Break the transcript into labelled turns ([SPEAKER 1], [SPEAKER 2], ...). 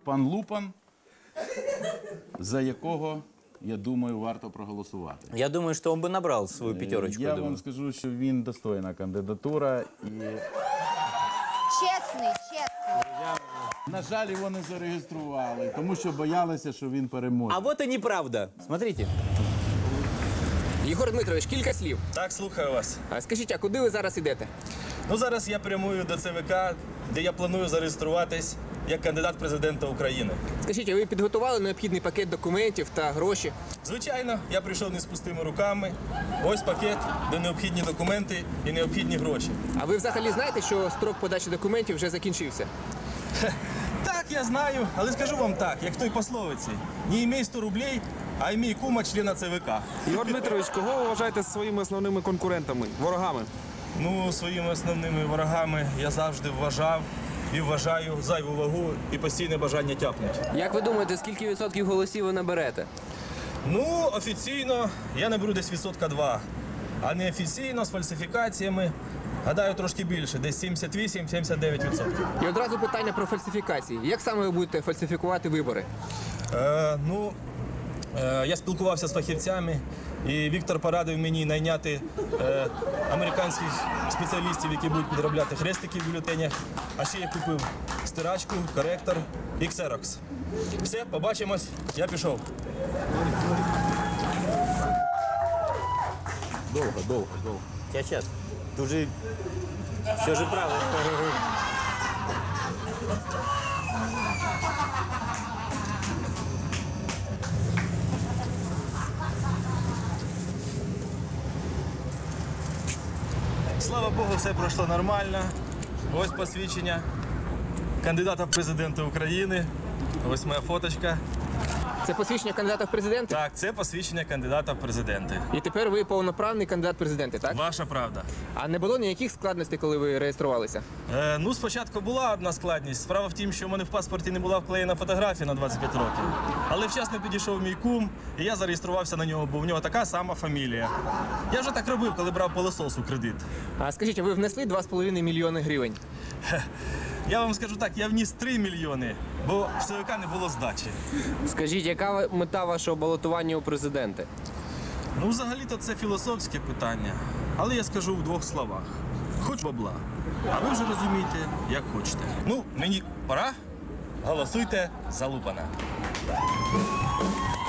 [SPEAKER 1] Пан Лупан, за якого, я думаю, варто проголосувати.
[SPEAKER 2] Я думаю, что он бы набрал свою пятерочку.
[SPEAKER 1] Я вам скажу, що він достойна кандидатура і,
[SPEAKER 3] Чесний, чесний.
[SPEAKER 1] на жаль, його не зареєстрували, тому що боялися, що він переможе.
[SPEAKER 2] А вот и неправда. Смотрите.
[SPEAKER 4] Єгор Дмитрович, кілька слів.
[SPEAKER 5] Так, слухаю вас.
[SPEAKER 4] А скажіть, а куди ви зараз йдете?
[SPEAKER 5] Ну, зараз я прямую до ЦВК, де я планую зареєструватись як кандидат президента України.
[SPEAKER 4] Скажіть, а ви підготували необхідний пакет документів та гроші?
[SPEAKER 5] Звичайно, я прийшов не з пустими руками. Ось пакет, де необхідні документи і необхідні гроші.
[SPEAKER 4] А ви взагалі знаєте, що строк подачі документів вже закінчився?
[SPEAKER 5] Так, я знаю, але скажу вам так, як в той пословиці. Не імей 100 рублей, а імей кума члена ЦВК.
[SPEAKER 6] Ігор Дмитрович, кого ви вважаєте своїми основними конкурентами, ворогами?
[SPEAKER 5] Ну, своїми основними ворогами я завжди вважав і вважаю зайву вагу і постійне бажання тяпнути.
[SPEAKER 4] Як ви думаєте, скільки відсотків голосів ви наберете?
[SPEAKER 5] Ну, офіційно я наберу десь 2%, а неофіційно з фальсифікаціями, гадаю, трошки більше, десь 78-79%.
[SPEAKER 4] І одразу питання про фальсифікації. Як саме ви будете фальсифікувати вибори?
[SPEAKER 5] Я спілкувався з фахівцями, і Віктор порадив мені найняти американських спеціалістів, які будуть підробляти хрестики в бюлетенях. А ще я купив стирачку, коректор і ксерокс. Все, побачимось, я пішов.
[SPEAKER 1] Довго.
[SPEAKER 2] Сейчас. Ты же все же правда.
[SPEAKER 5] Слава Богу, все пройшло нормально. Ось посвідчення кандидата в президенти України. Ось моя фоточка.
[SPEAKER 4] Це посвідчення кандидата в президенти?
[SPEAKER 5] Так, це посвідчення кандидата в президенти.
[SPEAKER 4] І тепер ви повноправний кандидат в президенти, так?
[SPEAKER 5] Ваша правда.
[SPEAKER 4] А не було ніяких складностей, коли ви реєструвалися?
[SPEAKER 5] Ну, спочатку була одна складність. Справа в тім, що в мене в паспорті не була вклеєна фотографія на 25 років. Але вчасно підійшов мій кум, і я зареєструвався на нього, бо в нього така сама фамілія. Я вже так робив, коли брав пилосос у кредит.
[SPEAKER 4] А скажіть, а ви внесли 2,5 мільйони гривень?
[SPEAKER 5] Я вам скажу так, я вніс 3 мільйони, бо в ЦВК не було здачі.
[SPEAKER 7] Скажіть, яка мета вашого балотування у президенти?
[SPEAKER 5] Ну, взагалі-то це філософське питання, але я скажу в двох словах. Хоч бабла, а ви вже розумієте, як хочете. Ну, мені пора, голосуйте за Лупана.